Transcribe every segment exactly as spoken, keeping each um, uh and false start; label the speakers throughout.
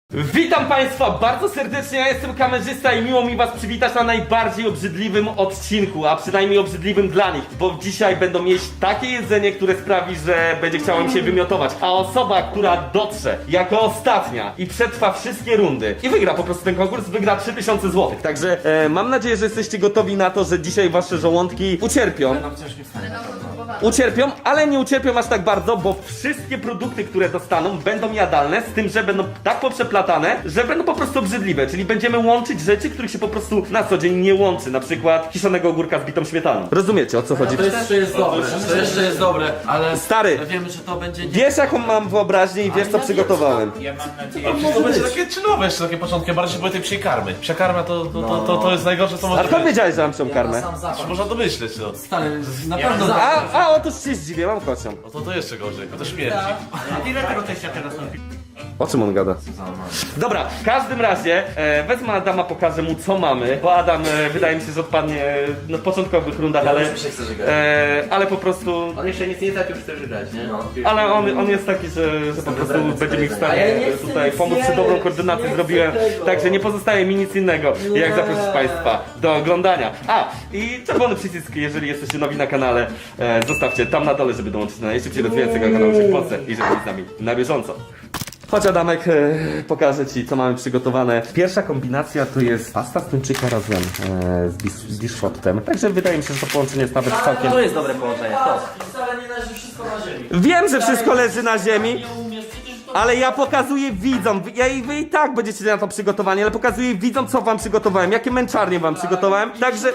Speaker 1: Witam Państwa bardzo serdecznie, ja jestem kamerzysta i miło mi Was przywitać na najbardziej obrzydliwym odcinku, a przynajmniej obrzydliwym dla nich, bo dzisiaj będą jeść takie jedzenie, które sprawi, że będzie chciało im się wymiotować, a osoba, która dotrze jako ostatnia i przetrwa wszystkie rundy i wygra po prostu ten konkurs, wygra trzy tysiące złotych. Także e, mam nadzieję, że jesteście gotowi na to, że dzisiaj Wasze żołądki ucierpią. Ucierpią, ale nie ucierpią aż tak bardzo, bo wszystkie produkty, które dostaną, będą jadalne, z tym, że będą tak poprzeplatane, że będą po prostu obrzydliwe, czyli będziemy łączyć rzeczy, których się po prostu na co dzień nie łączy, na przykład kiszonego ogórka z bitą śmietaną. Rozumiecie, o co chodzi?
Speaker 2: To jeszcze jest dobre, to jeszcze jest dobre, ale
Speaker 1: Stary,
Speaker 2: wiemy, że to będzie...
Speaker 1: wiesz jaką mam wyobraźnię i wiesz co przygotowałem.
Speaker 3: Ja mam nadzieję,
Speaker 4: Ale to będzie takie czynowe jeszcze, takie początki, bardziej się boję tej psiej karmy. Psia karma to, to, to, to, to jest najgorsze, co może
Speaker 1: A skąd
Speaker 4: być.
Speaker 1: wiedziałeś, że mam psią karmę?
Speaker 2: Sam zapach.
Speaker 4: Można domyśleć, no.
Speaker 2: Stary, na pewno
Speaker 3: mam-
Speaker 2: zapach.
Speaker 1: A, a otóż się zdziwię, mam kocią.
Speaker 4: No to, to jeszcze gorzej, to śmierdzi.
Speaker 3: a ile tego teścia teraz robi?
Speaker 1: O czym on gada? Dobra, w każdym razie e, wezmę Adama, pokażę mu co mamy, bo Adam e, wydaje mi się, że odpadnie e, no, w początkowych rundach, ale,
Speaker 2: już się chce żygać.
Speaker 1: e, ale po prostu,
Speaker 3: On jeszcze nic nie zaczął, już chce grać, nie?
Speaker 1: ale on, on jest taki, że, że po prostu będzie mi w
Speaker 3: A
Speaker 1: stanie
Speaker 3: ja nie chcę
Speaker 1: tutaj
Speaker 3: nic
Speaker 1: pomóc, czy
Speaker 3: jeść,
Speaker 1: dobrą koordynację
Speaker 3: nie
Speaker 1: zrobiłem,
Speaker 3: chcę tego.
Speaker 1: także nie pozostaje mi nic innego, jak zaprosić Państwa do oglądania. A, i czerwony przycisk, jeżeli jesteście nowi na kanale, e, zostawcie tam na dole, żeby dołączyć do najszybciej rozwijającego kanału się w Polsce i żeby być z nami na bieżąco. Chodź Adamek, e, pokażę Ci co mamy przygotowane. Pierwsza kombinacja to jest pasta z tuńczyka razem e, z, bis, z biszkoptem. Także wydaje mi się, że to połączenie jest nawet całkiem...
Speaker 3: To jest dobre połączenie, to.
Speaker 2: Wcale nie leży wszystko na ziemi.
Speaker 1: Wiem, że wszystko leży na ziemi, ale ja pokazuję widzom, ja i wy i tak będziecie na to przygotowani, ale pokazuję widzom co wam przygotowałem, jakie męczarnie wam przygotowałem. Także...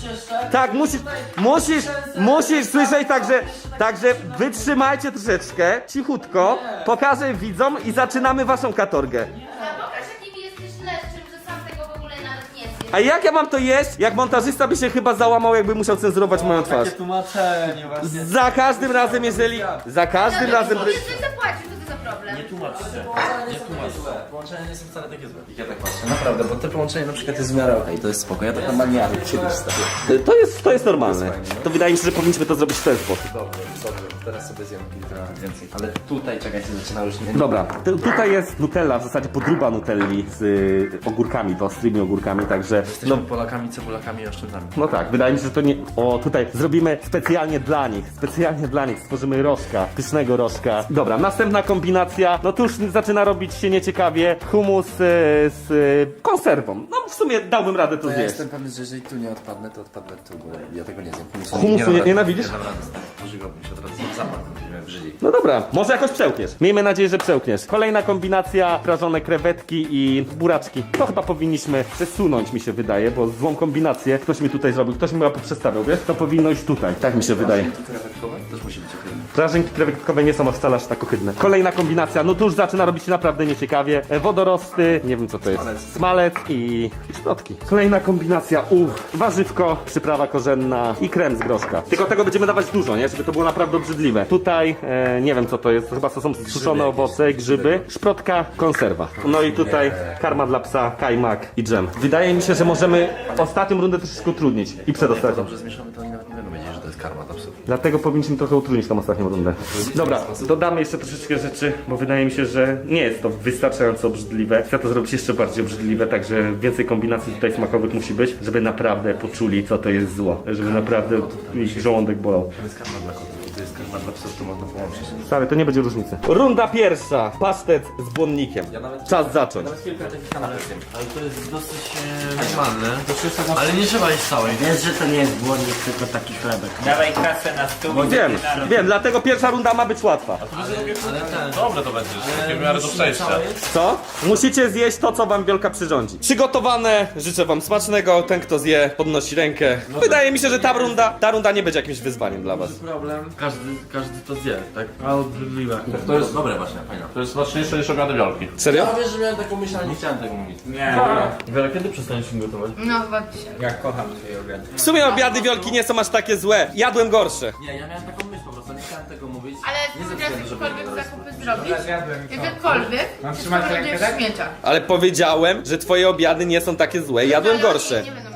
Speaker 1: Tak, musisz, musisz, musisz słyszeć, także, także wytrzymajcie troszeczkę, cichutko, pokażę widzom i zaczynamy waszą katorgę.
Speaker 5: A pokaż jakim jesteś leszczym, że sam tego w ogóle nawet nie zjesz.
Speaker 1: A jak ja mam to jeść? Jak montażysta by się chyba załamał, jakby musiał cenzurować moją twarz.
Speaker 2: Takie tłumaczenie właśnie.
Speaker 1: Za każdym razem, jeżeli... Za każdym razem...
Speaker 5: Jeżeli coś zapłacił, to co za problem?
Speaker 3: Nie tłumacz się.
Speaker 2: Nie tłumacz. Połączenia nie są wcale takie złe. Ja tak patrzę, naprawdę, bo te połączenie na przykład jest w miarę okej, to jest spoko. Ja tak normalnie ale kiedyś stary.
Speaker 1: To jest, to jest normalne. To wydaje mi się, że powinniśmy to zrobić w ten sposób.
Speaker 2: Dobrze, dobrze, teraz sobie zjem kilka więcej. Ale tutaj, czekajcie, zaczyna już nie...
Speaker 1: Dobra, tu- tutaj jest Nutella, w zasadzie podróba Nutelli z y, ogórkami, to ostrymi ogórkami, także...
Speaker 2: Jesteśmy
Speaker 1: No,
Speaker 2: Polakami, cebulakami i oszczędami.
Speaker 1: no tak, wydaje mi się, że to nie... O, tutaj zrobimy specjalnie dla nich, specjalnie dla nich stworzymy rożka, pysznego rożka. Dobra, następna kombinacja, no tu już zaczyna robić się nieciekawie, hummus y, z y, konserwą. No w sumie dałbym radę to
Speaker 2: To ja
Speaker 1: zjeść.
Speaker 2: jestem pewny, że jeżeli tu nie odpadnę, to odpadnę tu, bo ja tego nie zjem. Humusu
Speaker 1: Humusu
Speaker 2: dam
Speaker 1: nie-
Speaker 2: rady.
Speaker 1: nienawidzisz?
Speaker 2: Nie dam rady, stary. Pożygałbym się od razu. Zapach mnie w żyli.
Speaker 1: No dobra, może jakoś przełkniesz. Miejmy nadzieję, że przełkniesz. Kolejna kombinacja, prażone krewetki i buraczki. To chyba powinniśmy przesunąć, mi się wydaje, bo złą kombinację ktoś mi tutaj zrobił, ktoś mi chyba poprzestawiał, wiesz? To powinno iść tutaj, tak mi się wydaje.
Speaker 2: Krewetkowe? Też musi być okej.
Speaker 1: Prażynki krewetkowe nie są wcale aż tak ohydne. Kolejna kombinacja, no to już zaczyna robić się naprawdę nieciekawie. E, Wodorosty, nie wiem co to jest. Smalec i i szprotki. Kolejna kombinacja, uff, warzywko, przyprawa korzenna i krem z groszka. Tylko tego będziemy dawać dużo, nie? Żeby to było naprawdę obrzydliwe. Tutaj, e, nie wiem co to jest, to chyba to są suszone owoce, grzyby, szprotka, konserwa. No i tutaj karma dla psa, kajmak i dżem. Wydaje mi się, że możemy ostatnią rundę troszeczkę utrudnić i przedostatnią.
Speaker 2: Dobrze zmieszamy, to oni nawet nie będą wiedzieć, że to jest karma dla psów.
Speaker 1: Dlatego powinniśmy trochę utrudnić tą ostatnią rundę. Dobra, dodamy jeszcze troszeczkę rzeczy, bo wydaje mi się, że nie jest to wystarczająco obrzydliwe. Chcę to zrobić jeszcze bardziej obrzydliwe, także więcej kombinacji tutaj smakowych musi być, żeby naprawdę poczuli, co to jest zło. Żeby naprawdę ich żołądek bolał.
Speaker 2: To jest karma dla kotów, to jest karma dla psów, to można połączyć.
Speaker 1: Stary, to nie będzie różnicy. Runda pierwsza. Pasztet z błonnikiem. Czas zacząć.
Speaker 2: Nawet kilka takich kanapek zjem.
Speaker 3: Ale to jest dosyć e, normalne.
Speaker 2: Ale nie trzeba jeść całej.
Speaker 6: Wiesz, że to nie jest błonnik, tylko taki chlebek.
Speaker 3: Dawaj kasę na stół.
Speaker 1: Wiem, wiem, dlatego pierwsza runda ma być łatwa.
Speaker 2: Ale ten...
Speaker 4: Dobre to będzie, takie w miarę do przejścia.
Speaker 1: Co? Musicie zjeść to, co wam Wielka przyrządzi. Przygotowane, życzę wam smacznego. Ten, kto zje, podnosi rękę. Wydaje mi się, że ta runda, ta runda nie będzie jakimś wyzwaniem dla was.
Speaker 2: problem, każdy, każdy to zje, tak? A obrzydliwe. To jest dobre właśnie, fajne.
Speaker 4: To jest smaczniejsze niż obiady wiolki.
Speaker 1: Serio?
Speaker 2: Ja wiesz, że miałem taką myśl, ale nie chciałem tego mówić.
Speaker 3: Nie,
Speaker 2: Wiele, kiedy przestaniesz im gotować?
Speaker 5: No chyba dzisiaj.
Speaker 3: ja kocham twoje obiady.
Speaker 1: W sumie obiady Wiolki nie są aż takie złe. Jadłem gorsze.
Speaker 2: Nie, ja miałem taką myśl po prostu, nie chciałem tego mówić.
Speaker 5: Ale
Speaker 2: nie
Speaker 5: ty
Speaker 2: ze
Speaker 5: teraz
Speaker 2: względu, żeby
Speaker 5: jakiekolwiek
Speaker 2: nie
Speaker 5: zakupy
Speaker 2: robić.
Speaker 5: zrobić,
Speaker 3: Zjadłem to.
Speaker 5: jakiekolwiek,
Speaker 3: Mam
Speaker 5: to
Speaker 3: trzymać
Speaker 5: będzie
Speaker 3: rękę,
Speaker 5: w
Speaker 3: tak?
Speaker 5: śmieciach.
Speaker 1: Ale powiedziałem, że twoje obiady nie są takie złe. Jadłem
Speaker 5: Ale oni
Speaker 1: gorsze.
Speaker 5: Nie będą jedli.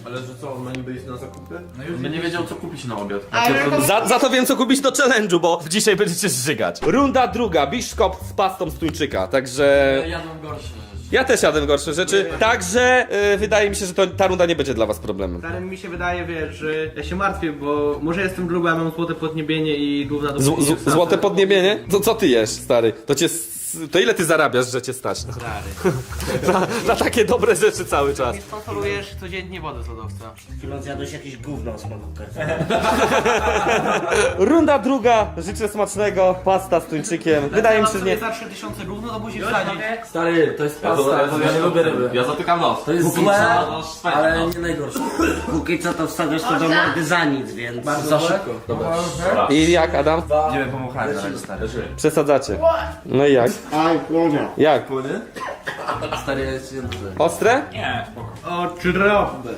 Speaker 7: Ale że co, on ma niby iść na zakupy?
Speaker 2: No już by nie wiedział co kupić na obiad.
Speaker 1: Za, za to wiem co kupić do challenge'u, bo dzisiaj będziecie żygać. Runda druga, biszkop z pastą z tuńczyka, także...
Speaker 2: Jadłem gorsze rzeczy.
Speaker 1: Ja też jadłem gorsze rzeczy, także y, wydaje mi się, że to, ta runda nie będzie dla was problemem.
Speaker 8: Stary, mi się wydaje, wiesz, że ja się martwię, bo może jestem gruby, a mam złote podniebienie i główna do
Speaker 1: Z, z, złote podniebienie? To co ty jesz, stary? To cię... s- To ile ty zarabiasz, że cię stać?
Speaker 8: Stary.
Speaker 1: na, na takie dobre rzeczy cały czas.
Speaker 8: Sponsorujesz codziennie wodę z lodowca.
Speaker 6: Chyba zjadłeś jakieś gówno z mego
Speaker 1: Runda druga, życzę smacznego, pasta z tuńczykiem. Wydaje mi się, że nie...
Speaker 8: za trzy tysiące gówno to musisz wsadzić.
Speaker 2: Stary, to jest pasta, bo ja nie lubię ryby.
Speaker 7: Ja zatykam nos.
Speaker 2: To jest złe, ale nie najgorsze.
Speaker 6: Póki co to wstawiasz to do mordy za nic, więc...
Speaker 2: Za szybko. Dobra.
Speaker 1: I jak, Adam?
Speaker 3: Nie wiem, pomachałem na razie, stary.
Speaker 1: Przesadzacie. No i jak?
Speaker 6: Aj, kłonia.
Speaker 1: Jak?
Speaker 2: Stary, ja jest jedno.
Speaker 1: Ostre?
Speaker 3: Nie, spoko.
Speaker 8: Okropne.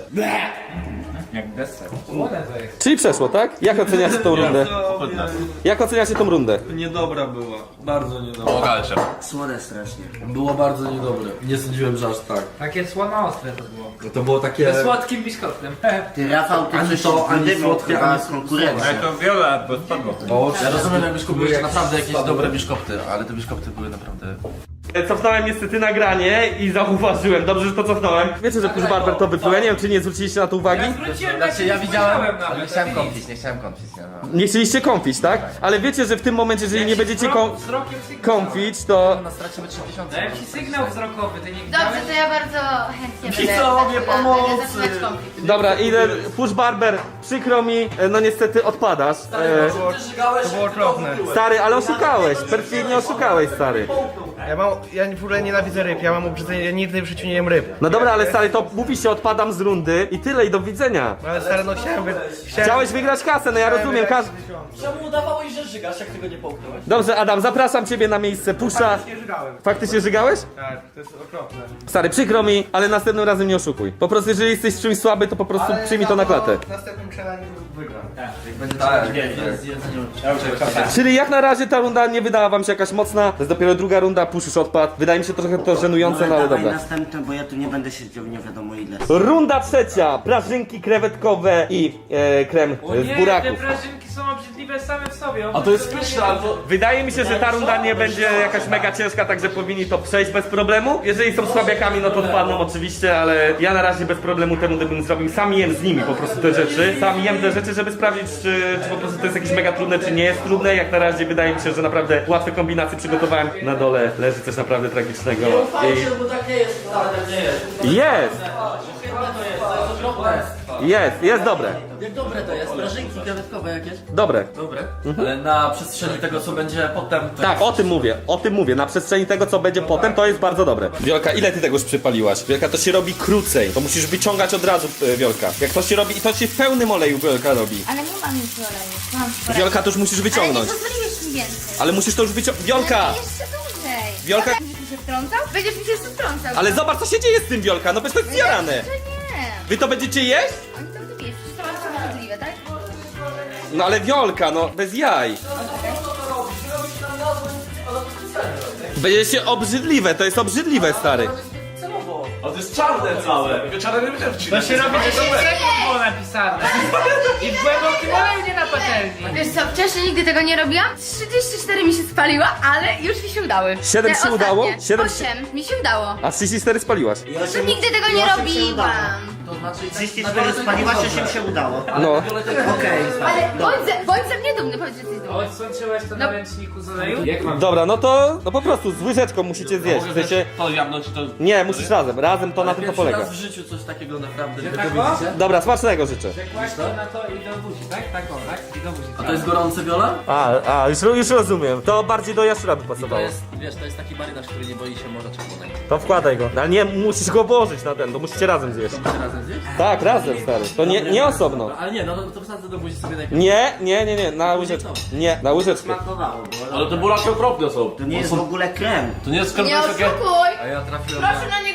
Speaker 3: Jak deser.
Speaker 1: Czyli przeszło, tak? Jak oceniacie tą rundę? Jak oceniacie tą rundę?
Speaker 8: Niedobra była. Bardzo niedobra.
Speaker 4: Pomagałem się.
Speaker 6: Słone strasznie.
Speaker 2: Było bardzo niedobre. Nie sądziłem, że aż tak.
Speaker 3: Takie słono ostre to było.
Speaker 7: To było takie...
Speaker 3: Ze słodkim biszkoptem.
Speaker 6: Ty, Rafał, ty
Speaker 2: Ani
Speaker 6: coś
Speaker 2: to, ani
Speaker 6: wydymał,
Speaker 2: słodkie,
Speaker 6: chyba
Speaker 2: ani
Speaker 6: konkurencja.
Speaker 3: to wiola, bo spadło.
Speaker 2: Ja rozumiem, jak biszkopty były jeszcze naprawdę jakieś dobre biszkopty, ale te biszkopty były naprawdę...
Speaker 1: Cofnąłem niestety nagranie i zauważyłem, dobrze, że to cofnąłem. Wiecie, że Push Barber to wypluł, ja nie wiem, czy nie zwróciliście na to uwagi?
Speaker 2: Znaczy ja widziałem, ale nie chciałem kąpić, nie chciałem kąpić. Nie, no.
Speaker 1: Nie chcieliście kąpić, tak? Ale wiecie, że w tym momencie, jeżeli nie będziecie kąp
Speaker 3: Wzrokiem sygnał.
Speaker 1: kąpić, to...
Speaker 2: No stracimy trzy tysiące.
Speaker 3: Dałem ci sygnał wzrokowy, ty nie
Speaker 5: Dobrze,
Speaker 3: widziałeś?
Speaker 5: to ja bardzo chętnie będę
Speaker 8: Widzowie,
Speaker 5: zaczynać-
Speaker 8: pomocy!
Speaker 5: będę zaczynać konflikt.
Speaker 1: Dobra, idę, Push Barber, przykro mi, e, no niestety odpadasz. E,
Speaker 8: To było okropne.
Speaker 1: stary, ale oszukałeś, perfidnie oszukałeś, stary.
Speaker 8: Ja mam, ja w ogóle nienawidzę ryb, ja mam obrzydzenie, ja nigdy w życiu nie jem ryb.
Speaker 1: No dobra, ale stary, to mówi się odpadam z rundy i tyle, i do widzenia.
Speaker 8: No ale stary, no chciałem wy... Chciałem...
Speaker 1: Chciałeś wygrać kasę, no ja rozumiem, każ...
Speaker 2: Czemu udawałeś, że żygasz, jak tego nie połknąłeś?
Speaker 1: Dobrze, Adam, zapraszam ciebie na miejsce Pusha.
Speaker 8: Nie żygałem.
Speaker 1: Faktycznie żygałeś?
Speaker 8: Tak, to jest okropne.
Speaker 1: Stary, przykro mi, ale następnym razem nie oszukuj. Po prostu, jeżeli jesteś w czymś słaby, to po prostu przyjmij to na klatę.
Speaker 8: W następnym challenge wygram.
Speaker 2: Tak, jest jedzenie.
Speaker 1: Czyli jak na razie ta runda nie wydała wam się jakaś mocna. To jest dopiero druga runda, Push już odpadł. Wydaje mi się trochę to żenujące, no ale
Speaker 6: dawaj
Speaker 1: dobra.
Speaker 6: następne, bo ja tu nie będę siedział nie wiadomo ile.
Speaker 1: Runda trzecia, prażynki krewetkowe i e, krem
Speaker 3: O
Speaker 1: e,
Speaker 3: nie,
Speaker 1: z
Speaker 3: te
Speaker 1: buraków.
Speaker 3: prażynki są obrzydliwe same w sobie.
Speaker 2: A to jest pyszne, albo...
Speaker 1: Wydaje mi się, że ta runda nie będzie jakaś mega ciężka, także powinni to przejść bez problemu. Jeżeli są słabiakami, no to odpadną oczywiście, ale ja na razie bez problemu tę rundę bym zrobił. Sam jem z nimi po prostu te rzeczy. Sam jem te rzeczy, żeby sprawdzić, czy, czy po prostu to jest jakieś mega trudne, czy nie jest trudne. Jak na razie wydaje mi się, że naprawdę łatwe kombinacje przygotowałem. Na dole leży coś naprawdę tragicznego.
Speaker 2: bo tak nie jest, ale tak nie jest.
Speaker 1: I... Jest! Jest, jest dobre.
Speaker 2: Jak dobre to jest, prażynki krewetkowe jakieś?
Speaker 1: Dobre.
Speaker 2: Dobre. Ale na przestrzeni tego, co będzie potem... To
Speaker 1: Tak, o tym mówię, o tym mówię. Na przestrzeni tego, co będzie potem, to jest bardzo dobre. Wiolka, ile ty tego już przypaliłaś? Wiolka, to się robi krócej. To musisz wyciągać od razu, e, Wiolka. Jak to się robi, i to się w pełnym oleju Wiolka robi.
Speaker 5: Ale nie mam nic oleju. Mam sporo.
Speaker 1: Wiolka, to już musisz
Speaker 5: Ale nie
Speaker 1: wyciągnąć.
Speaker 5: pozwoliłeś mi więcej.
Speaker 1: Ale musisz to już wyciągnąć. Wiolka!
Speaker 5: Ale jeszcze dłużej.
Speaker 1: Wiolka-
Speaker 5: Będziesz mi się wtrącał? Będziesz mi się jeszcze wtrącał.
Speaker 1: Ale zobacz, co się dzieje z tym, Wiolka. No przecież to jest zjarane.
Speaker 5: Jeszcze nie.
Speaker 1: Wy to będziecie jeść?
Speaker 5: Oni to lubią. Przecież to bardzo możliwe, tak?
Speaker 1: No ale Wiolka, no bez jaj. Będzie się obrzydliwe, to jest obrzydliwe, stary.
Speaker 4: A to jest czarne całe. Czarne nie będziemy
Speaker 3: To się robi, że to było napisane. I w głębokim oleju, nie na patelni.
Speaker 5: Wiesz co, wcześniej nigdy tego nie robiłam. trzydzieści cztery mi się spaliła, ale już mi się udały.
Speaker 1: Siedem
Speaker 5: Te
Speaker 1: się udało?
Speaker 5: ostatnie.
Speaker 1: Siedem się-
Speaker 5: Osiem mi się udało.
Speaker 1: A trzydzieści cztery spaliłaś.
Speaker 5: To nigdy tego nie robiłam.
Speaker 2: To znaczy...
Speaker 6: trzydzieści cztery spaliłaś, osiem się udało.
Speaker 1: No.
Speaker 6: Okej.
Speaker 5: Ale bądź ze, bądź ze mnie dumny, powiedz, że jesteś dumny.
Speaker 3: Odsączyłeś to na ręczniku z oleju? Jak mam?
Speaker 1: Dobra, no to no po prostu z łyżeczką musicie zjeść. W sensie,
Speaker 4: To jabłno czy to...
Speaker 1: nie, musisz razem. Razem to na tym to
Speaker 2: Pierwszy
Speaker 1: polega.
Speaker 2: raz w życiu coś takiego naprawdę, wy to
Speaker 3: tak,
Speaker 2: widzicie?
Speaker 1: Dobra, smacznego życzę.
Speaker 3: Kłaść to na to i do buzi, tak? Tak o, tak? I do buzi.
Speaker 2: A to jest gorące wiola?
Speaker 1: A, a już, już rozumiem. To bardziej do jaszczura by
Speaker 2: To
Speaker 1: pasowało.
Speaker 2: jest, wiesz, to jest taki marynarz, który nie boi się morza czerwonego.
Speaker 1: To wkładaj go. Ale nie, musisz go włożyć na ten, to musicie razem zjeść.
Speaker 2: Chcecie razem zjeść?
Speaker 1: Tak, razem, stary. To nie, nie osobno.
Speaker 2: No, ale nie, no to wsadzę do buzi sobie najpierw.
Speaker 1: Nie, nie, nie, nie, na łyżeczkę. Nie, na łyżeczkę.
Speaker 6: Smakowało, bo
Speaker 4: Ale te buraki okropne są.
Speaker 6: to nie jest w ogóle krem.
Speaker 4: To nie jest
Speaker 5: Nie
Speaker 4: skarpetki takie...
Speaker 5: oszukuj!
Speaker 2: A ja trafiłem
Speaker 5: Proszę na niego kamerę.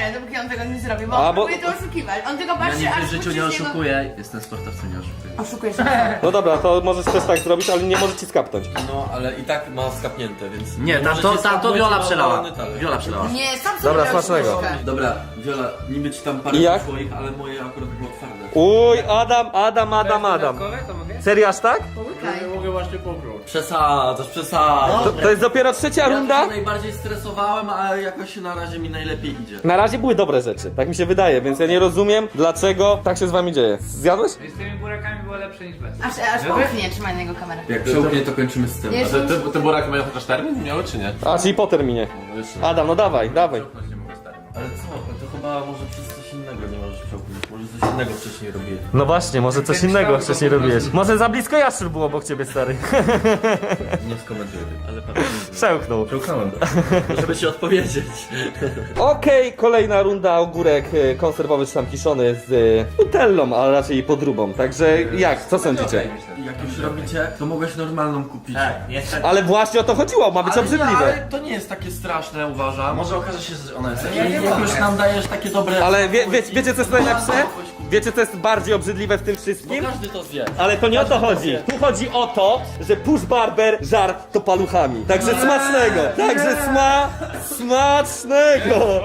Speaker 5: kamerę, dopóki on tego nie zrobi, bo
Speaker 1: A,
Speaker 5: on
Speaker 1: bo-
Speaker 5: próbuje to oszukiwać. On tylko
Speaker 2: Ja
Speaker 5: patrzy,
Speaker 2: nigdy
Speaker 5: aż
Speaker 2: w życiu
Speaker 5: puści
Speaker 2: nie
Speaker 5: z niego-
Speaker 2: oszukuję, jestem sportowcem, nie oszukuję.
Speaker 5: Oszukujesz.
Speaker 1: No dobra, to możesz też tak zrobić, ale nie może ci skapnąć.
Speaker 7: No, ale i tak ma skapnięte, więc...
Speaker 2: Nie, tam
Speaker 7: może
Speaker 2: to,
Speaker 7: ci
Speaker 2: tam to
Speaker 7: skapnąć,
Speaker 2: Viola
Speaker 7: ma
Speaker 2: przelała.
Speaker 7: wolny talerz.
Speaker 2: Viola przelała.
Speaker 5: Nie, sam sobie
Speaker 1: Dobra,
Speaker 5: dał
Speaker 1: smacznego.
Speaker 5: sztuczkę.
Speaker 7: Dobra, Viola, niby ci tam parę
Speaker 1: I jak?
Speaker 7: swoich, ale moje akurat było twarde.
Speaker 1: Uj, Adam, Adam, Adam, Adam.
Speaker 3: Dodatkowe, to mogę?
Speaker 1: Serio aż tak?
Speaker 5: Połykaj.
Speaker 4: Mogę właśnie popróć.
Speaker 7: Przesadzasz, przesadzasz.
Speaker 1: To, to jest dopiero trzecia
Speaker 7: Ja
Speaker 1: runda?
Speaker 7: się najbardziej stresowałem, a jakoś na razie mi najlepiej idzie.
Speaker 1: Na razie były dobre rzeczy, tak mi się wydaje, więc ja nie rozumiem, dlaczego tak się z wami dzieje. Zjadłeś?
Speaker 3: Z tymi burakami było lepsze niż bez.
Speaker 5: Aż, aż połknie, trzymaj na jego kamerę.
Speaker 7: Jak przełknie, to kończymy z tym.
Speaker 5: Nie,
Speaker 4: A te, te, te buraki mają chociaż termin? Miały czy nie?
Speaker 1: A, czyli po terminie. Adam, no dawaj, dawaj.
Speaker 7: Ale co, to chyba może przez coś innego nie możesz przełknąć. Może coś innego wcześniej robiłem.
Speaker 1: No właśnie, może coś innego wcześniej robiłeś. Może za blisko jaszczur było obok ciebie, stary.
Speaker 7: Nie skomentuję tego, ale pewnie nie.
Speaker 1: Przełknął.
Speaker 7: Przełknąłem. Żeby ci odpowiedzieć.
Speaker 1: Okej, kolejna runda, ogórek e, konserwowy czy tam kiszony z e, nutellą, a raczej podróbą. Także jak, co sądzicie?
Speaker 7: Jak już robicie, to mogłeś normalną kupić.
Speaker 2: Tak, jestem.
Speaker 1: Ale właśnie o to chodziło, ma być
Speaker 7: Ale, nie,
Speaker 1: obrzydliwe.
Speaker 7: ale to nie jest takie straszne, uważam.
Speaker 2: Może okaże się, że ona jest
Speaker 7: Jak, jak już nam dajesz takie dobre...
Speaker 1: Ale wie, wie, wiecie co jest najlepsze? Wiecie co jest bardziej obrzydliwe w tym wszystkim?
Speaker 7: Każdy to zje.
Speaker 1: Ale to nie o to chodzi. Tu chodzi o to, że Push Barber żar to paluchami. Także smacznego. Także sma... smacznego.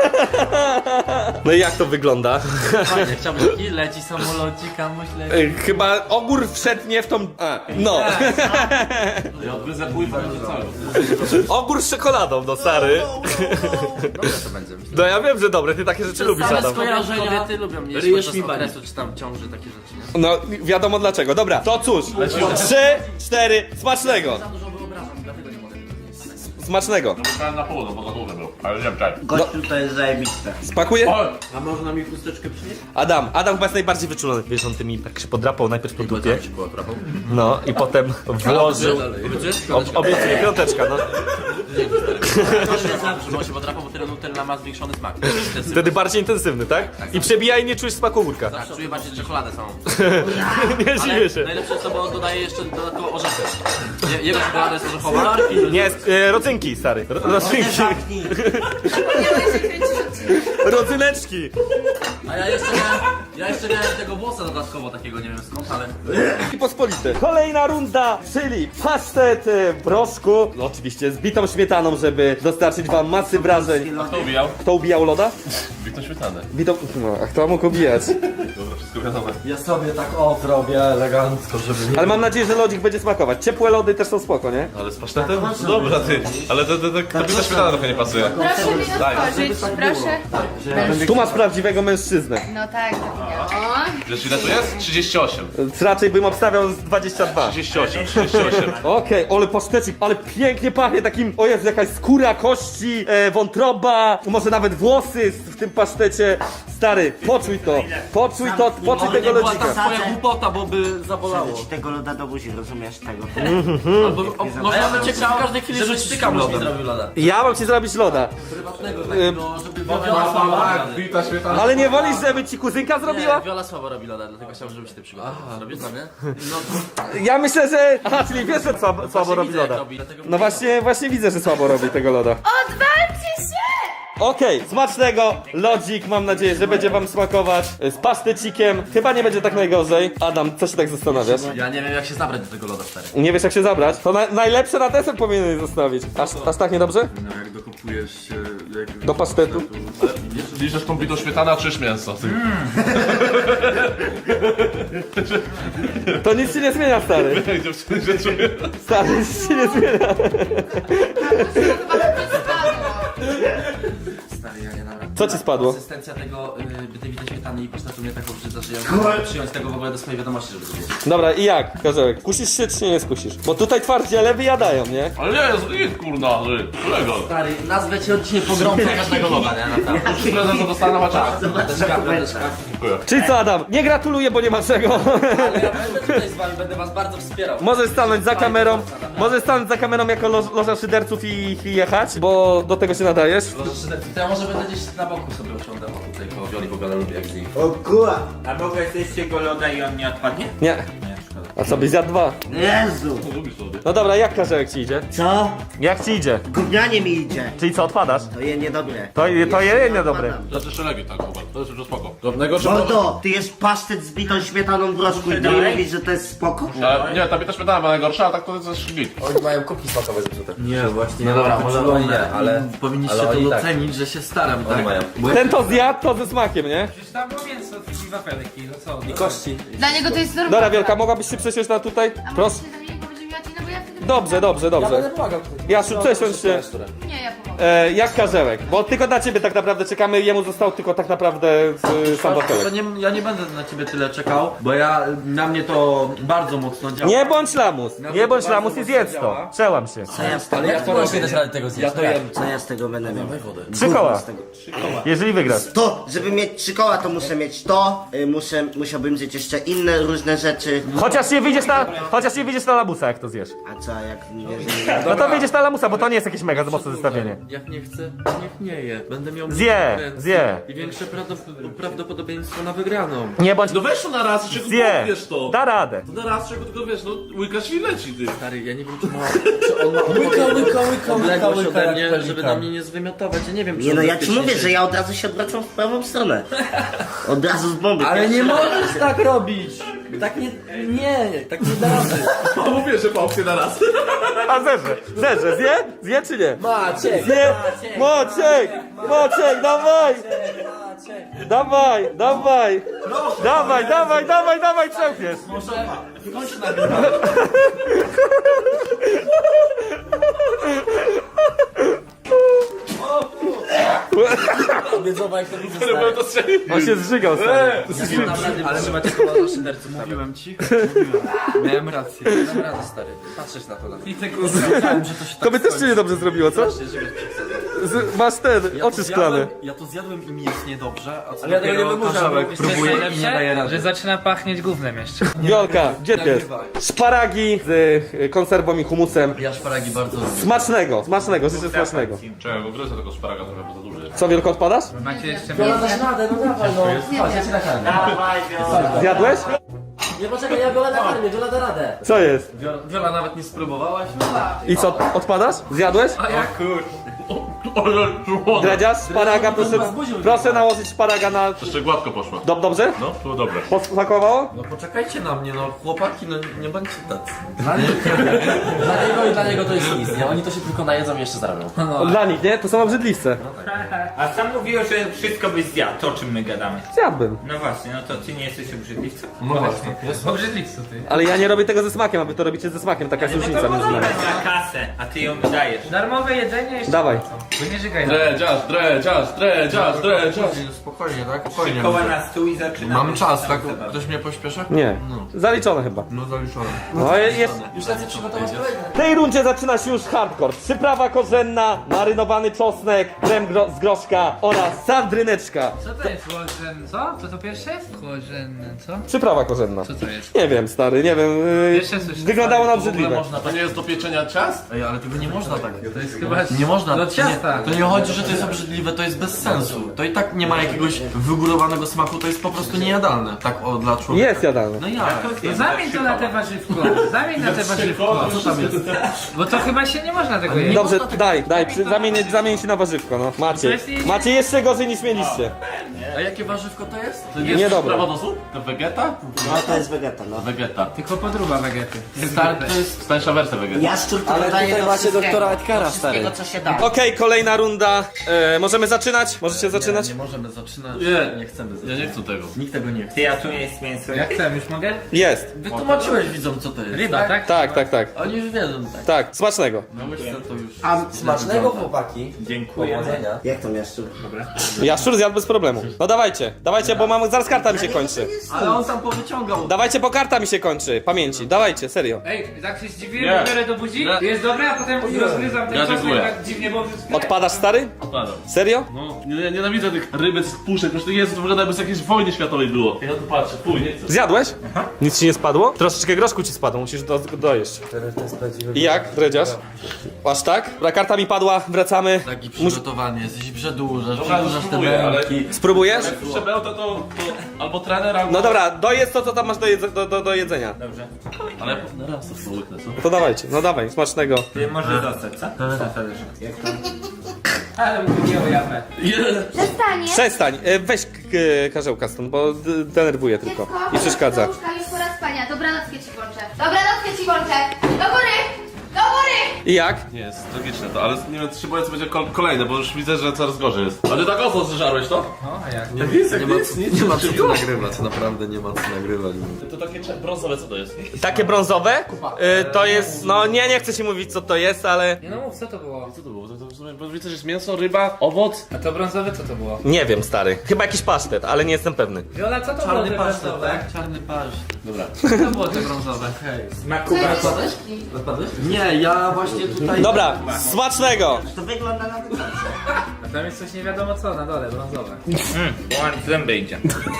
Speaker 1: No i jak to wygląda?
Speaker 2: Fajnie, chciałbym taki leci samolocik, kamuś leci.
Speaker 1: Ej, Chyba ogór wszedł nie w tą... A, no.
Speaker 4: Ja odgryzę płytę cały.
Speaker 1: Ogór z czekoladą, no stary.
Speaker 2: Dobre to będzie.
Speaker 1: No ja wiem, że dobre, ty takie rzeczy lubisz,
Speaker 2: Same
Speaker 1: Adam.
Speaker 2: skojarzenia. Kobiety lubią mnie
Speaker 7: Ryjesz
Speaker 2: podczas
Speaker 7: mi bani.
Speaker 2: okresu, czy tam ciąży, takie rzeczy, nie?
Speaker 1: No wiadomo dlaczego. Dobra, to cóż. Trzy, cztery, smacznego.
Speaker 2: Za dużo wyobrażam, dlatego nie mogę tego zjeść.
Speaker 1: Smacznego.
Speaker 4: Myślałem na pół, no bo za duży był. Ale nie wiem, czekaj.
Speaker 6: Gościu to jest zajebiste.
Speaker 1: Spakuję?
Speaker 4: O!
Speaker 7: A można mi chusteczkę przynieść?
Speaker 1: Adam, Adam chyba jest najbardziej wyczulony. Wiesz, on tymi tak się podrapał najpierw po dupie.
Speaker 2: ci było trapą?
Speaker 1: No i potem włożył. Ob, obiecuję, piąteczka, no.
Speaker 2: Żeby on się podrapał, bo tyle Nutella ma zwiększony smak.
Speaker 1: Wtedy bardziej intensywny, tak? I przebija i nie czujesz smaku ogórka.
Speaker 2: Tak, czuję bardziej czekoladę samą.
Speaker 1: Nie dziwię się.
Speaker 2: Najlepsze jest to, bo on dodaje jeszcze dodatkowo orzechy. Je- Jego czekolada jest orzechowa.
Speaker 1: Nie, e, rodzynki, stary. Ro, rodzynki.
Speaker 6: Zamknij.
Speaker 5: Zapomniałeś, że kręcisz odcinek.
Speaker 1: Rodzyneczki.
Speaker 2: A ja jeszcze miałem, ja jeszcze miałem tego włosa dodatkowo takiego, nie wiem skąd, ale...
Speaker 1: I pospolite. Kolejna runda, czyli pasztet e, w proszku. No, oczywiście z bitą śmietaną, żeby dostarczyć wam masy wrażeń.
Speaker 4: Kto ubijał?
Speaker 1: Kto ubijał loda?
Speaker 4: Wiktor Śmietany.
Speaker 1: Bitą... No, a kto mógł ubijać?
Speaker 4: Dobra, wszystko wiadomo.
Speaker 7: Ja sobie tak o zrobię elegancko, żeby nie...
Speaker 1: Ale mam nadzieję, że lodzik będzie smakować. Ciepłe lody też są spoko, nie?
Speaker 4: Ale z pasztetem? No dobra, ty. Ale to, to, to, to Wiktor Śmietana trochę nie pasuje.
Speaker 5: Proszę mi
Speaker 4: Daj.
Speaker 5: otworzyć, proszę.
Speaker 1: Tu masz prawdziwego mężczyznę.
Speaker 5: No tak, zapomniałam.
Speaker 4: Wiesz ile to jest? trzydzieści osiem.
Speaker 1: Raczej bym obstawiał z dwadzieścia dwa.
Speaker 4: trzydzieści osiem, trzydzieści osiem.
Speaker 1: Okej, ale pasztecik, ale pięknie pachnie takim, o jest jakaś skóra, kości, e, wątroba, może nawet włosy w tym pasztecie. Stary, poczuj to, poczuj to, poczuj
Speaker 2: Oby
Speaker 1: tego
Speaker 2: nie była ta
Speaker 1: lodzika.
Speaker 2: twoja głupota, bo by zabolało.
Speaker 6: Ci tego loda do buzi, rozumiesz tego?
Speaker 2: Albo, o, można by cię w każdej chwili żeby stykam lodem. Zrobił loda.
Speaker 1: Ja mam ci zrobić loda,
Speaker 2: Prywatnego takiego, żeby Viola słabo robi
Speaker 4: Wiktor Śmietana.
Speaker 1: ale nie wolisz, żeby ci kuzynka
Speaker 2: loda.
Speaker 1: zrobiła?
Speaker 2: Nie, Viola słabo robi loda, dlatego chciałbym, żebyś ty przygotował. Robisz dla mnie? No to
Speaker 1: Ja myślę, że... Aha, czyli wiesz, że słabo, słabo robi
Speaker 2: widzę, jak
Speaker 1: loda.
Speaker 2: robi, dlatego
Speaker 1: No właśnie, właśnie widzę, że słabo robi tego loda.
Speaker 5: Odwalcie się!
Speaker 1: Okej, smacznego, lodzik, mam nadzieję, że będzie wam smakować. Z pasztecikiem, chyba nie będzie tak najgorzej. Adam, co się tak zastanawiasz?
Speaker 2: Ja nie wiem jak się zabrać do tego loda, stary.
Speaker 1: Nie wiesz jak się zabrać? To na, najlepsze na deser powinieneś zostawić. Aż, aż tak niedobrze?
Speaker 7: No jak dokopujesz się... Jak...
Speaker 1: Do pasztetu?
Speaker 4: Liczesz tą bitą śmietana, czyż mięso? Ty.
Speaker 1: To nic ci nie zmienia, stary.
Speaker 4: Dziewczyny się czuję.
Speaker 1: Stary, nic ci nie zmienia.
Speaker 5: Chyba to spadło.
Speaker 2: Stary, ja nie dam rady.
Speaker 1: Co ci spadło?
Speaker 2: Konsystencja tego y, tej witej śmietany i pasztetu mnie tak obrzydza, że ja nie mogę przyjąć tego w ogóle do swojej wiadomości, żeby to wiedzieć.
Speaker 1: Dobra, i jak, Karzełek? Kusisz się czy nie skusisz? Bo tutaj twardziele wyjadają, nie?
Speaker 4: Ale nie, jest idź kurna, ty. Kolego.
Speaker 2: Stary, nazwę cię od dzisiaj pogromcą każdego loda, nie? Naprawdę.
Speaker 4: Prezent to dostanę chociaż.
Speaker 2: Piąteczka, piąteczka.
Speaker 4: Dziękuję.
Speaker 1: Czyli co, Adam? Nie gratuluję, bo nie ma czego.
Speaker 2: Ale ja będę tutaj z wami, będę was bardzo wspierał.
Speaker 1: Możesz stanąć za kamerą, możesz stanąć za kamerą jako lo, loża szyderców i, i jechać, bo do tego się nadajesz.
Speaker 2: To ja może będę gdzieś na boku sobie usiądę, bo tutaj koło Wioli w ogóle lubię jak z nim.
Speaker 6: O kurwa!
Speaker 8: A mogę zjeść tego loda i on nie odpadnie?
Speaker 1: Nie.
Speaker 2: Nie, szkoda.
Speaker 1: A co byś zjadł dwa?
Speaker 6: Jezu.
Speaker 1: No dobra, jak Karzełek ci idzie?
Speaker 6: Co?
Speaker 1: Jak ci idzie?
Speaker 6: Gównianie mi idzie.
Speaker 1: Czyli co, odpadasz?
Speaker 6: To je niedobre.
Speaker 1: To, to je niedobre.
Speaker 6: odpadam.
Speaker 4: To jest jeszcze lepiej tak, chłopak. To jest już spoko. Drobnego trzeba...
Speaker 6: Mordo, ty jesz pasztet z bitą śmietaną w rożku i ty mi mówisz, że to jest spoko?
Speaker 4: A, nie, ta bita śmietana była najgorsza, a tak to jest git.
Speaker 2: Oni mają kubki smakowe zepsute.
Speaker 7: Nie, właśnie.
Speaker 2: No dobra,
Speaker 7: tak
Speaker 2: może
Speaker 7: wygląda,
Speaker 2: oni nie, ale-
Speaker 7: Powinniście
Speaker 2: ale
Speaker 7: to
Speaker 2: oni tak.
Speaker 7: docenić, że się staram, tak?
Speaker 2: mają.
Speaker 7: Bo ja...
Speaker 1: Ten to zjadł, to ze smakiem, nie?
Speaker 3: Przecież tam było mięso i wafelki, no co?
Speaker 2: I kości.
Speaker 5: Dla niego to jest normalne.
Speaker 1: Dobra, Wielka, mogłabyś się przesiąść na tutaj?
Speaker 5: A
Speaker 1: Proszę.
Speaker 5: możesz się za niego będzie miać, no bo ja wtedy...
Speaker 1: Dobrze, dobrze, dobrze.
Speaker 2: pomagał.
Speaker 1: Jasiu, przesiądź się.
Speaker 5: Nie, ja pomogę.
Speaker 1: E, jak Karzełek, bo tylko na ciebie tak naprawdę czekamy, jemu został tylko tak naprawdę y, sam
Speaker 7: To
Speaker 1: wafelek.
Speaker 7: nie, ja nie będę na ciebie tyle czekał, bo ja, na mnie to bardzo mocno działa.
Speaker 1: Nie bądź lamus,
Speaker 7: Nawet
Speaker 1: nie bądź
Speaker 7: bardzo
Speaker 1: lamus i
Speaker 7: mocno
Speaker 1: zjedz to.
Speaker 7: działa.
Speaker 1: Przełam się.
Speaker 6: Co ja z tego,
Speaker 2: Ale jak to robię radę tego
Speaker 7: Ja
Speaker 2: zjeść?
Speaker 7: to jem.
Speaker 6: co ja z tego będę miał?
Speaker 1: Trzy koła,
Speaker 6: Z tego.
Speaker 1: jeżeli wygrasz.
Speaker 6: To, żeby mieć trzy koła, to muszę mieć to, y, muszę, musiałbym zjeść jeszcze inne różne rzeczy.
Speaker 1: Chociaż nie wyjdziesz na, chociaż nie wyjdziesz na lamusa, jak to zjesz.
Speaker 6: A co, jak nie, nie,
Speaker 1: No to wyjdziesz na lamusa, bo to nie jest jakieś mega mocne zestawienie.
Speaker 7: Jak nie chcę, niech nie je. Będę miał
Speaker 1: Zje,
Speaker 7: więcej
Speaker 1: zje.
Speaker 7: I większe prawdop- prawdopodobieństwo na wygraną.
Speaker 1: Nie bądź...
Speaker 4: No weź to na raz, czego
Speaker 1: Zje,
Speaker 4: wiesz to.
Speaker 1: da radę.
Speaker 4: To na raz, czego tylko wiesz, no łykasz i leci, ty.
Speaker 7: Stary, ja nie wiem, czy, ma, czy on ma
Speaker 2: Łyka, łyka, łyka,
Speaker 7: odległość
Speaker 2: łyka,
Speaker 7: ode
Speaker 2: jak
Speaker 7: mnie,
Speaker 2: pelikan.
Speaker 7: żeby na mnie nie zwymiotować. Ja nie wiem, czy
Speaker 6: nie
Speaker 7: on
Speaker 6: no, ja ci
Speaker 7: bezpiecznie
Speaker 6: mówię,
Speaker 7: się-
Speaker 6: że ja od razu się odwracam w prawą stronę. Od razu z bomby.
Speaker 2: Ale nie
Speaker 6: Pierwszy raz.
Speaker 2: możesz tak robić! Tak nie, nie, tak nie da rady.
Speaker 4: No mówię, że pałkę na raz.
Speaker 1: A zerze, zerze, zje? Zje czy nie?
Speaker 2: Maciek!
Speaker 1: Zje! Moczek! Moczek, dawaj! Dawaj, dawaj! Dawaj, dawaj, dawaj, dawaj, przełkniesz!
Speaker 2: Wiedzowa jak to widzę,
Speaker 4: Byłem
Speaker 2: stary.
Speaker 4: to strzelił.
Speaker 1: On się zżygał, stary.
Speaker 7: Ale trzeba cię poważnie szydercy. Mówiłem ci. Mówiłem. Miałem rację. Dam radę, stary. Patrzysz na to na
Speaker 3: I te kurwa.
Speaker 7: Wiedziałem, że to się tak
Speaker 1: To by też cię niedobrze zrobiło, co?
Speaker 7: skończy, żeby przesadzał.
Speaker 1: Z, masz ten,
Speaker 7: Ja
Speaker 1: oczy
Speaker 7: to
Speaker 1: szklane.
Speaker 7: zjadłem- Ja to zjadłem i mi jest niedobrze, a co
Speaker 2: Ale ja tego nie
Speaker 7: dopiero
Speaker 2: wymuszam.
Speaker 7: Karzełek
Speaker 3: Wiesz, co jest
Speaker 7: próbuje i nie daje
Speaker 3: najlepsze?
Speaker 7: rady.
Speaker 3: Że zaczyna pachnieć gównem jeszcze.
Speaker 1: Wiolka, gdzie ty jest? Szparagi z y, konserwą i humusem.
Speaker 7: Ja szparagi bardzo lubię.
Speaker 1: Smacznego, smacznego, życzę smacznego.
Speaker 4: Czekaj, bo gryzę tego szparaga trochę, bo za duży jest.
Speaker 1: Co, Wielko, odpadasz?
Speaker 3: Macie jeszcze
Speaker 2: Wiola,
Speaker 3: mięso?
Speaker 2: dasz radę, no dawaj, no. Chodź, ja cię nakarmię.
Speaker 6: Dawaj, Wiola.
Speaker 1: Zjadłeś?
Speaker 2: Nie, poczekaj, ja Wiolę nakarmię, Wiola da radę.
Speaker 1: Co jest?
Speaker 7: Wiola, Wiola nawet nie spróbowałaś?
Speaker 1: I co, odpadasz? Zjadłeś?
Speaker 3: A jak kur...
Speaker 1: Dredziarz, szparaga, proszę, proszę nałożyć szparaga na...
Speaker 4: Jeszcze gładko poszła.
Speaker 1: Dob dobrze?
Speaker 4: No, to dobre.
Speaker 1: Posmakowało?
Speaker 7: No poczekajcie na mnie, no chłopaki, no nie bądźcie tacy.
Speaker 2: Dla niego i dla niego to jest nic, nie? Oni to się tylko najedzą i jeszcze zarobią.
Speaker 1: Dla nich, nie? To są obrzydliwce.
Speaker 9: A sam mówiłeś, że wszystko byś zjadł, to o czym my gadamy.
Speaker 1: Zjadłbym.
Speaker 9: No właśnie, no to ty nie jesteś obrzydliwcą?
Speaker 7: No właśnie.
Speaker 3: Obrzydliwcu ty.
Speaker 1: Ale ja nie robię tego ze smakiem, a wy to robicie ze smakiem, taka jest różnica między nami.
Speaker 9: Za kasę, a ty ją wydajesz.
Speaker 3: Darmowe jedzenie jeszcze.
Speaker 1: Dawaj.
Speaker 3: Bo nie żygaj na
Speaker 4: Dredziarz, dredziarz, dredziarz, dredziarz.
Speaker 7: Spokojnie, tak? Spokojnie.
Speaker 9: Koła na stół i zaczynamy.
Speaker 7: Mam czas, tak?
Speaker 9: zabawę.
Speaker 7: Ktoś mnie pośpiesza?
Speaker 1: Nie.
Speaker 7: No.
Speaker 1: Zaliczone chyba.
Speaker 7: No zaliczone.
Speaker 1: No je- jest...
Speaker 2: Już lecę przygotować kolejne.
Speaker 1: W tej rundzie zaczyna się już hardcore. Przyprawa korzenna, marynowany czosnek, krem gro z groszka oraz sardryneczka.
Speaker 3: Co to jest chłodzen? Co? Co to pierwsze jest? Chłodzenne, co?
Speaker 1: Przyprawa korzenna.
Speaker 3: Co to jest?
Speaker 1: Nie wiem, stary, nie wiem. Yy,
Speaker 3: Jeszcze słyszę,
Speaker 1: wyglądało na
Speaker 7: To w ogóle
Speaker 1: obrzydliwe.
Speaker 7: można
Speaker 4: To nie jest do pieczenia ciast?
Speaker 7: Ej, ale tego nie można tak.
Speaker 3: To jest chyba...
Speaker 7: Nie można.
Speaker 3: Do
Speaker 7: to
Speaker 3: ciasta.
Speaker 7: Nie, to nie chodzi, że to jest obrzydliwe, to jest bez sensu. To i tak nie ma jakiegoś wygórowanego smaku, to jest po prostu niejadalne. Tak o, dla człowieka.
Speaker 1: Jest jadalne.
Speaker 7: No jak?
Speaker 3: No zamień to na te warzywko. Zamień na te warzywko.
Speaker 7: Co tam jest?
Speaker 3: Bo to chyba się nie można tego jeść.
Speaker 1: Dobrze, daj, daj, przy, zamień, zamień się na warzywko, no. Macie. Macie jeszcze gorzej niż mieliście.
Speaker 7: A jakie warzywko to jest? To
Speaker 1: Nie dobre.
Speaker 4: Prawo do słów? To wegeta?
Speaker 6: No to jest wegeta, no.
Speaker 4: Wegeta.
Speaker 3: Tylko podruba wegety.
Speaker 7: Stary, to jest...
Speaker 4: Stańsza wersja wegeta.
Speaker 6: Jaszczur to
Speaker 2: Ale
Speaker 6: dodaje
Speaker 2: tutaj
Speaker 6: do
Speaker 2: macie
Speaker 6: wszystkiego,
Speaker 2: doktora Edgara,
Speaker 6: do wszystkiego, co się da.
Speaker 1: Okej, kolejna runda. E, możemy zaczynać? Możecie zaczynać?
Speaker 7: Nie, nie możemy zaczynać.
Speaker 4: Nie.
Speaker 7: nie chcemy
Speaker 4: Ja
Speaker 7: zaczynać.
Speaker 4: nie chcę tego.
Speaker 7: Nikt tego nie chce.
Speaker 9: Ty, a tu jest mięso.
Speaker 3: Jak chcę, już mogę?
Speaker 1: Jest.
Speaker 7: Wytłumaczyłeś widzom, co to jest.
Speaker 3: Ryba, tak?
Speaker 1: Tak, tak, tak.
Speaker 7: Oni już wiedzą, tak.
Speaker 1: Tak, smacznego.
Speaker 7: No łyżce to już...
Speaker 6: A
Speaker 2: Smacznego, chłopaki.
Speaker 9: Dziękuję.
Speaker 2: Powodzenia.
Speaker 6: jak to Jaszczur?
Speaker 1: Jaszczur zjadł bez problemu. No dawajcie, dawajcie, bo mam, zaraz karta mi się kończy.
Speaker 7: Ale on tam powyciągał.
Speaker 1: Dawajcie, bo karta mi się kończy. Pamięci, dawajcie, serio.
Speaker 3: Ej, tak się zdziwiłem,
Speaker 4: Nie.
Speaker 3: biorę do buzi, jest dobre, a potem rozgryzam ten
Speaker 4: Ja
Speaker 3: czosnek
Speaker 4: dziękuję.
Speaker 3: tak dziwnie, bo wszystko...
Speaker 1: Odpadasz, stary?
Speaker 4: Odpadam.
Speaker 1: Serio?
Speaker 4: No, nie, nienawidzę tych rybec, tych puszek, przecież to jest, to wygląda jakby z jakiejś wojny światowej było. Ja tu patrzę, fuj, nie chcę.
Speaker 1: Zjadłeś? Nic ci nie spadło? Troszeczkę groszku ci spadło, musisz do, dojeść. I jak, dredziarz? Aż tak? Dobra, karta mi padła, wracamy.
Speaker 7: Taki
Speaker 1: Mus
Speaker 7: przygotowany jesteś, przedłużasz,
Speaker 4: Dobra,
Speaker 7: przedłużasz te
Speaker 4: spróbuję, ale-
Speaker 7: męki.
Speaker 1: Spró Spróbujesz?
Speaker 4: Jak puszczę bełta, to, to albo trener, albo...
Speaker 1: No dobra, dojedz to, co tam masz do, jedze do, do, do jedzenia.
Speaker 9: Dobrze.
Speaker 4: Ale na raz to spróbujmy, co?
Speaker 1: To dawajcie, no dawaj, smacznego.
Speaker 9: Ty możesz dostać, co? Jak to?
Speaker 3: Ale mówię o japę.
Speaker 5: Przestanie.
Speaker 1: Przestań, e, weź k- k- karzełka stąd, bo d- denerwuje tylko i przeszkadza.
Speaker 5: Do łóżka, już pora spania. Dobranockę ci włączę. Dobranockę ci włączę. Do góry! Do góry!
Speaker 1: I jak?
Speaker 4: Nie, jest logiczne to, ale nie wiem, czy się boję, co będzie kol kolejne, bo już widzę, że coraz gorzej jest. A ty tak owoc zeżarłeś to?
Speaker 3: No, a jak?
Speaker 4: Nie, nic,
Speaker 7: Nie ma,
Speaker 4: nic, nic,
Speaker 7: nie ma
Speaker 4: nic,
Speaker 7: co tu nagrywać, naprawdę nie ma co nagrywać.
Speaker 4: To takie cze- brązowe co to jest?
Speaker 1: Takie brązowe? E, to jest, no nie, nie chcę ci mówić co to jest, ale...
Speaker 3: Nie no mów, co to było?
Speaker 4: Co to było? To, to, w sumie, bo widzę, że jest mięso, ryba, owoc.
Speaker 3: A to brązowe co to było?
Speaker 1: Nie wiem, stary. Chyba jakiś pasztet, ale nie jestem pewny.
Speaker 3: Wiola, co to było
Speaker 7: Czarny
Speaker 3: te
Speaker 7: pasztet,
Speaker 3: brązowe?
Speaker 7: tak? Czarny pasztet.
Speaker 4: Dobra.
Speaker 3: Co to było te brązowe?
Speaker 9: Smaku
Speaker 7: Rozpadłeś? Rozpadłeś? Nie, ja właśnie tutaj...
Speaker 1: Dobra, smacznego!
Speaker 6: To wygląda na to.
Speaker 3: A tam jest coś nie wiadomo co na dole, brązowe.
Speaker 9: Mmm, zęby idzie.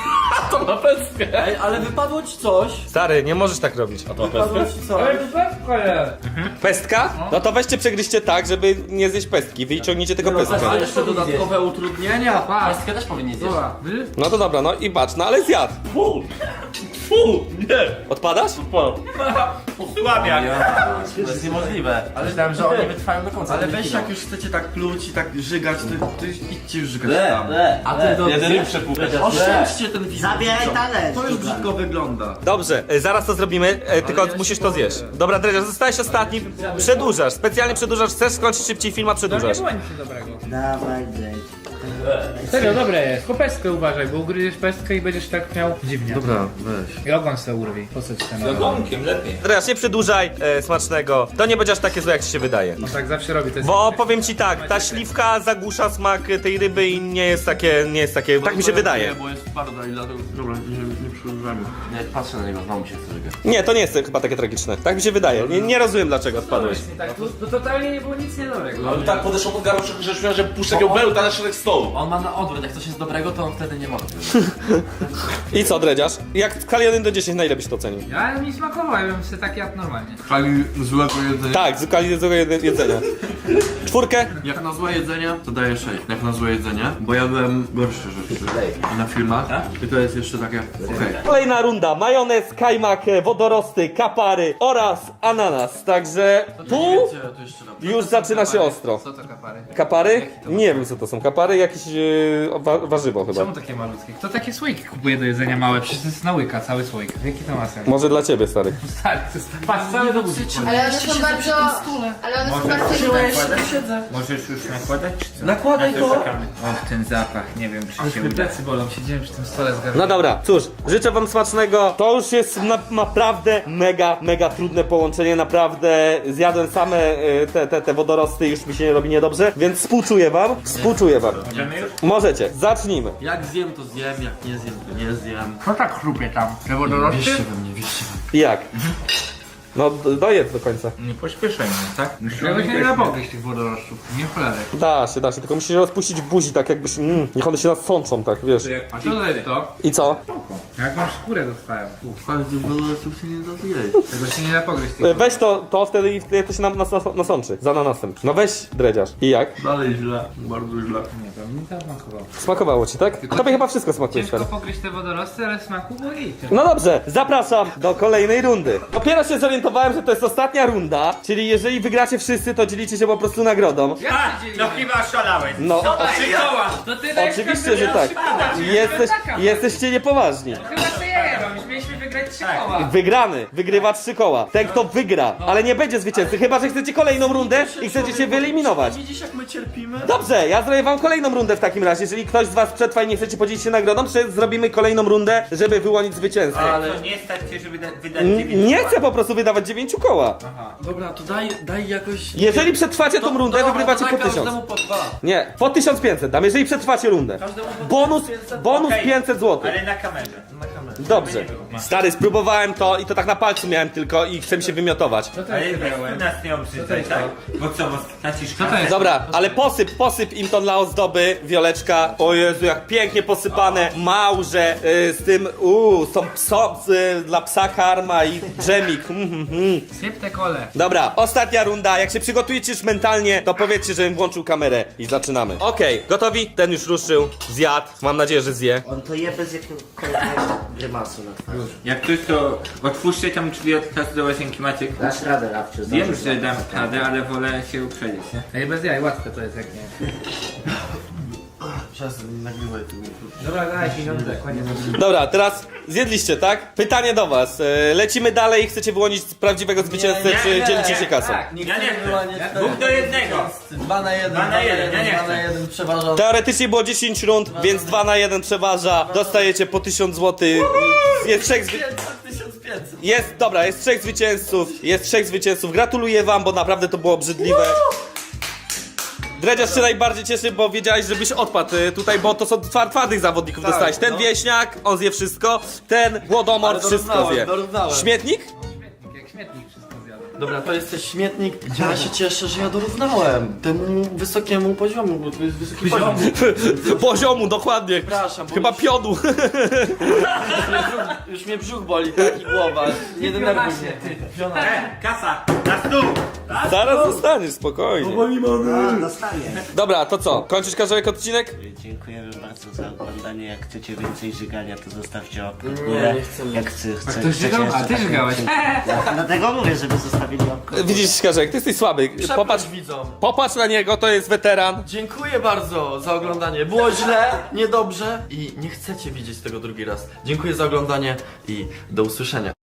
Speaker 4: To ma pestkę.
Speaker 7: Ej, ale wypadło ci coś.
Speaker 1: Stary, nie możesz tak robić.
Speaker 4: A to ma
Speaker 7: Wypadło
Speaker 4: pestkę?
Speaker 7: ci coś.
Speaker 3: Ale to pewko jest.
Speaker 1: Pestka? No to weźcie przegryźcie tak, żeby nie zjeść pestki. Wyciągnijcie tylko pestkę.
Speaker 7: A jeszcze dodatkowe utrudnienia.
Speaker 3: Patrz.
Speaker 7: Pestkę też powinien zjeść.
Speaker 3: Dobra, wy?
Speaker 1: No to dobra, no i patrz, no ale zjadł.
Speaker 4: Fu! Fu! Nie!
Speaker 1: Odpadasz?
Speaker 4: Po.
Speaker 9: Słabiak.
Speaker 7: To jest niemożliwe. Ale myślałem, że oni wytrwają do końca. Ale weź jak już chcecie tak pluć i tak żygać, to, to idźcie już żygać tam. A ty do...
Speaker 4: Jeden ryb przepłukać.
Speaker 7: Oszczędźcie ten film.
Speaker 6: Zabieraj talerz.
Speaker 7: To już brzydko wygląda.
Speaker 1: Dobrze, e, zaraz to zrobimy, e, tylko musisz to zjeść. Dobra, Dredziarz, zostałeś ostatni. Przedłużasz, specjalnie przedłużasz. Chcesz skończyć szybciej film, a
Speaker 3: To nie
Speaker 1: przedłużasz.
Speaker 3: było nic dobrego.
Speaker 6: Dawaj, zejdź.
Speaker 3: Serio, dobre jest. Po pestkę uważaj, bo ugryziesz pestkę i będziesz tak miał dziwnie.
Speaker 7: Dobra, weź.
Speaker 3: I ogon se urwi. Po co ci ten
Speaker 9: Z
Speaker 3: ogon?
Speaker 9: ogonkiem lepiej.
Speaker 1: Dredziarz, nie przedłużaj e, smacznego. To nie będzie aż takie złe, jak ci się wydaje.
Speaker 3: No tak zawsze robi, to jest...
Speaker 1: Bo powiem ci tak, ta śliwka zagłusza smak tej ryby i nie jest takie, nie jest takie, tak mi się wydaje.
Speaker 4: Nie, bo jest twarda i dlatego... Dobra, nie, nie przyużywamy.
Speaker 7: Nie, patrzę na niego, znowu mi się chce żygać.
Speaker 1: Nie, to nie jest chyba takie tragiczne. Tak mi się wydaje. Nie, nie rozumiem dlaczego odpadłeś.
Speaker 3: Tak, tu, tu totalnie nie było nic niedobrego.
Speaker 4: Ale tak podeszło pod garbę, że śmiałem, że puszczę takiego bełta na środek stołu.
Speaker 7: On ma na odwrót, jak coś jest dobrego, to on wtedy nie może.
Speaker 1: I co, Dredziarz? Jak w skali jeden do dziesięciu, na ile byś to ocenił?
Speaker 3: Ja mi smakował, ja bym sobie tak jadł normalnie.
Speaker 7: Chwali złego jedzenia.
Speaker 1: Tak, z skali złego jed- jedzenia. Czwórkę?
Speaker 7: Jak na złe jedzenie, to daję sześć. Jak na złe jedzenie, bo jadłem gorsze rzeczy na filmach. I to jest jeszcze takie, okej.
Speaker 1: Kolejna runda. Majonez, kajmak, wodorosty, kapary oraz ananas. Także tu
Speaker 7: Wiecie, to jeszcze raz.
Speaker 1: już zaczyna się ostro.
Speaker 3: Co to kapary?
Speaker 1: Kapary? Nie wiem co to są. Kapary? Jakieś yy, wa warzywo chyba.
Speaker 3: Czemu takie malutkie? Kto takie słoiki kupuje do jedzenia małe? Przecież to jest na łyka, cały słoik. Jaki to ma sens?
Speaker 1: Może dla ciebie, stary.
Speaker 3: Stary, to jest... Patrz, cały do buzi.
Speaker 5: Ale one są bardzo... Ale one są bardzo inne.
Speaker 9: Możesz już nakładać, czy co?
Speaker 7: Nakładaj to!
Speaker 9: Czekamy. Och, ten zapach, nie wiem, czy się uda.
Speaker 3: Plecy bolą, siedziałem przy tym stole z garnkiem.
Speaker 1: No dobra, cóż, życzę wam smacznego. To już jest na, naprawdę mega, mega trudne połączenie. Naprawdę zjadłem same y, te, te, te wodorosty i już mi się nie robi niedobrze, więc współczuję wam. Współczuję wam.
Speaker 9: Możemy już?
Speaker 1: Możecie, zacznijmy.
Speaker 7: Jak zjem, to zjem, jak nie zjem, to nie zjem.
Speaker 3: Co tak chrupie tam? Te wodorosty?
Speaker 7: Wierzcie we mnie, wierzcie we mnie.
Speaker 1: Jak? No, d- dojedz do końca.
Speaker 9: Nie pośpieszaj mnie, tak?
Speaker 3: Ja się nie napogryźć tych wodorostów. Nie cholerek.
Speaker 1: Da się, da się, tylko musisz je rozpuścić w buzi, tak jakbyś, mm, niech one się nasączą, tak, wiesz.
Speaker 3: A co to jest to?
Speaker 1: I co?
Speaker 3: Jak masz skórę dostałem.
Speaker 7: Ale tych wodorostów się nie da zjeść.
Speaker 3: Tego się nie napogryźć.
Speaker 1: E, Weź to, to wtedy i wtedy to się nam nas, nas, nasączy, za ananasem. No weź, dredziarz. I jak?
Speaker 7: Dalej źle, bardzo źle.
Speaker 3: Nie, to mi to smakowało.
Speaker 1: Smakowało ci, tak? Tobie chyba wszystko smakuje,
Speaker 3: Ciężko
Speaker 1: stary.
Speaker 3: pogryźć te wodorosty, ale smaku było i
Speaker 1: No dobrze, zapraszam do kolejnej rundy. Dopiero się zorientowałem, że to jest ostatnia runda, czyli jeżeli wygracie wszyscy, to dzielicie się po prostu nagrodą.
Speaker 9: A, no chyba szalałeś.
Speaker 1: No,
Speaker 9: Trzy koła.
Speaker 3: To ty dajesz
Speaker 1: oczywiście, że tak. Jesteś, jesteście niepoważni.
Speaker 3: Chyba ty ja mam, już mieliśmy wygrać trzy koła.
Speaker 1: Wygrany, wygrywa trzy koła. Ten kto wygra, ale nie będzie zwycięzcy, chyba że chcecie kolejną rundę i chcecie się wyeliminować.
Speaker 7: Widzisz jak my cierpimy?
Speaker 1: Dobrze, ja zrobię wam kolejną rundę w takim razie. Jeżeli ktoś z was przetrwa i nie chcecie podzielić się nagrodą, to zrobimy kolejną rundę, żeby wyłonić zwycięzcę.
Speaker 9: Ale to nie stać się, żeby da- wydać
Speaker 1: N-
Speaker 9: dziewięć.
Speaker 1: Nie chcę po prostu wydawać dziewięciu koła.
Speaker 7: Dobra, to daj, daj jakoś...
Speaker 1: Jeżeli przetrwacie tą rundę,
Speaker 7: dobra,
Speaker 1: wygrywacie
Speaker 7: to
Speaker 1: po
Speaker 7: daj
Speaker 1: tysiąc.
Speaker 7: każdemu po dwa.
Speaker 1: Nie, po tysiąc pięćset dam, jeżeli przetrwacie rundę.
Speaker 7: Każdemu po
Speaker 1: Bonus, bonus
Speaker 9: Okej.
Speaker 1: pięćset złotych.
Speaker 9: Ale na kamerze.
Speaker 7: Na kamerę.
Speaker 1: Dobrze. Stary, spróbowałem to i to tak na palcu miałem tylko i chcę mi się wymiotować.
Speaker 3: Co to
Speaker 9: Ale
Speaker 3: jest?
Speaker 9: weź nas nie obrzydzaj, tak? Bo co, bo stracisz
Speaker 3: Co to
Speaker 9: kasę?
Speaker 3: jest?
Speaker 1: Dobra, ale posyp, posyp im to dla ozdoby, Wioleczka. O Jezu, jak pięknie posypane. Małże y, z tym, uuu, są pso, y, dla psa karma i dżemik. Mm, mm, mm.
Speaker 3: Syp te kole.
Speaker 1: Dobra, ostatnia runda. Jak się przygotujecie już mentalnie, to powiedzcie, żebym włączył kamerę i zaczynamy. Okej, gotowi? Ten już ruszył, zjadł. Mam nadzieję, że zje.
Speaker 6: On to je bez jakiegokolwiek grymasu na twarzy.
Speaker 9: Jak ktoś to otwórzcie tam drzwi od czasu do łazienki Maciek.
Speaker 6: Dasz radę, Rabciu.
Speaker 9: Wiem, że dam radę, ale wolę się uprzedzić, nie?
Speaker 3: Ej, bez jaj, łatwe to jest jak nie.
Speaker 7: Czas nagrywaj tu.
Speaker 3: Dobra, daj pieniądze, koniec.
Speaker 1: Dobra, teraz zjedliście, tak? Pytanie do was. E, lecimy dalej. Chcecie wyłonić prawdziwego zwycięzcę,
Speaker 9: nie,
Speaker 1: czy
Speaker 9: nie,
Speaker 1: dzielicie się kasą?
Speaker 3: Tak.
Speaker 7: Nie
Speaker 9: Ja nie
Speaker 7: chcę
Speaker 9: chcę.
Speaker 7: wyłaniać
Speaker 9: Ja-
Speaker 7: czterech.
Speaker 9: Dwóch do jednego.
Speaker 7: Dwa na jeden,
Speaker 9: Dwa na jeden, ja nie
Speaker 7: dwa na
Speaker 9: chcę.
Speaker 7: jeden przeważa.
Speaker 1: Teoretycznie było dziesięć rund, więc dwa na jeden przeważa. Dostajecie po tysiąc złotych. Jest trzech zwy...
Speaker 7: tysiąc pięćset.
Speaker 1: Jest, dobra, jest trzech zwycięzców. Jest trzech zwycięzców. Gratuluję wam, bo naprawdę to było obrzydliwe. Dredziarz się najbardziej cieszy, bo wiedziałeś, żebyś odpadł y, tutaj, bo to są twar- twardych zawodników dostałeś. Ten
Speaker 7: no.
Speaker 1: wieśniak, on zje wszystko. Ten głodomor
Speaker 7: Ale
Speaker 1: wszystko
Speaker 7: dorównałem,
Speaker 1: zje.
Speaker 7: dorównałem.
Speaker 1: Śmietnik?
Speaker 3: Jak śmietnik wszystko zjada.
Speaker 7: Dobra, to jesteś śmietnik. Ja się cieszę, że ja dorównałem temu wysokiemu poziomu, bo to jest wysoki poziom.
Speaker 1: Poziomu, dokładnie.
Speaker 7: Przepraszam, bo
Speaker 1: Chyba
Speaker 7: już,
Speaker 1: piodu.
Speaker 7: już mnie brzuch boli, tak i głowa. Nie denerwuj mnie.
Speaker 9: E, kasa, na stół!
Speaker 1: Zaraz zostaniesz, spokojnie.
Speaker 6: A, dostanie.
Speaker 1: Dobra, to co? Kończysz każdy odcinek?
Speaker 6: Dziękujemy bardzo za oglądanie. Jak chcecie więcej żygania, to zostawcie łapkę w
Speaker 7: Nie,
Speaker 6: górę.
Speaker 7: nie chcemy.
Speaker 6: Jak chce, chce,
Speaker 3: Ktoś żygał? A ty żygałeś.
Speaker 6: Dlatego mówię, żeby zostawili łapkę w górę.
Speaker 1: Widzisz, Karzek, ty jesteś słaby.
Speaker 7: Przepraszam
Speaker 1: Popatrz,
Speaker 7: widzom.
Speaker 1: popatrz na niego, to jest weteran.
Speaker 7: Dziękuję bardzo za oglądanie. Było źle, niedobrze i nie chcecie widzieć tego drugi raz. Dziękuję za oglądanie i do usłyszenia.